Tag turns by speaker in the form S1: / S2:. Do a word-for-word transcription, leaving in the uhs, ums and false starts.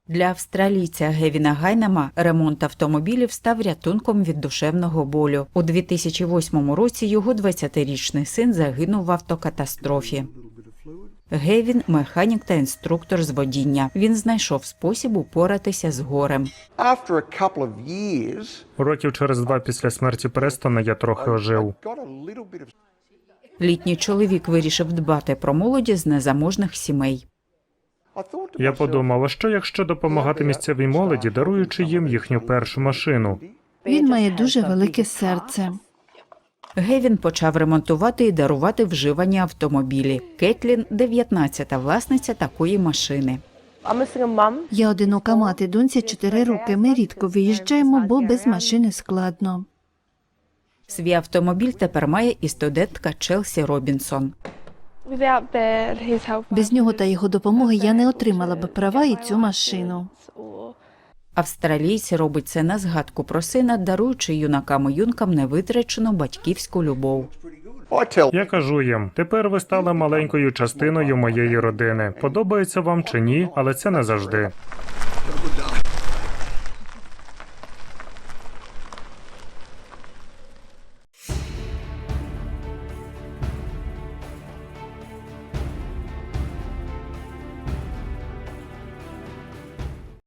S1: Для австралійця Гевіна Гайнема ремонт автомобілів став рятунком від душевного болю. У дві тисячі восьмому році його двадцятирічний син загинув в автокатастрофі. Гевін – механік та інструктор з водіння. Він знайшов спосіб упоратися з горем.
S2: Років через два після смерті Престона я трохи ожив.
S1: Літній чоловік вирішив дбати про молоді з незаможних сімей.
S2: Я подумав, а що якщо допомагати місцевій молоді, даруючи їм їхню першу машину?
S3: Він має дуже велике серце.
S1: Гевін почав ремонтувати і дарувати вживані автомобілі. Кетлін – дев'ятнадцята власниця такої машини.
S3: Я одинока мати, доньці чотири роки. Ми рідко виїжджаємо, бо без машини складно.
S1: Свій автомобіль тепер має і студентка Челсі Робінсон.
S3: Без нього та його допомоги я не отримала б права і цю машину.
S1: Австралійць робить це на згадку про сина, даруючи юнакам і юнкам невитрачену батьківську любов.
S2: Я кажу їм, тепер ви стали маленькою частиною моєї родини. Подобається вам чи ні, але це не завжди.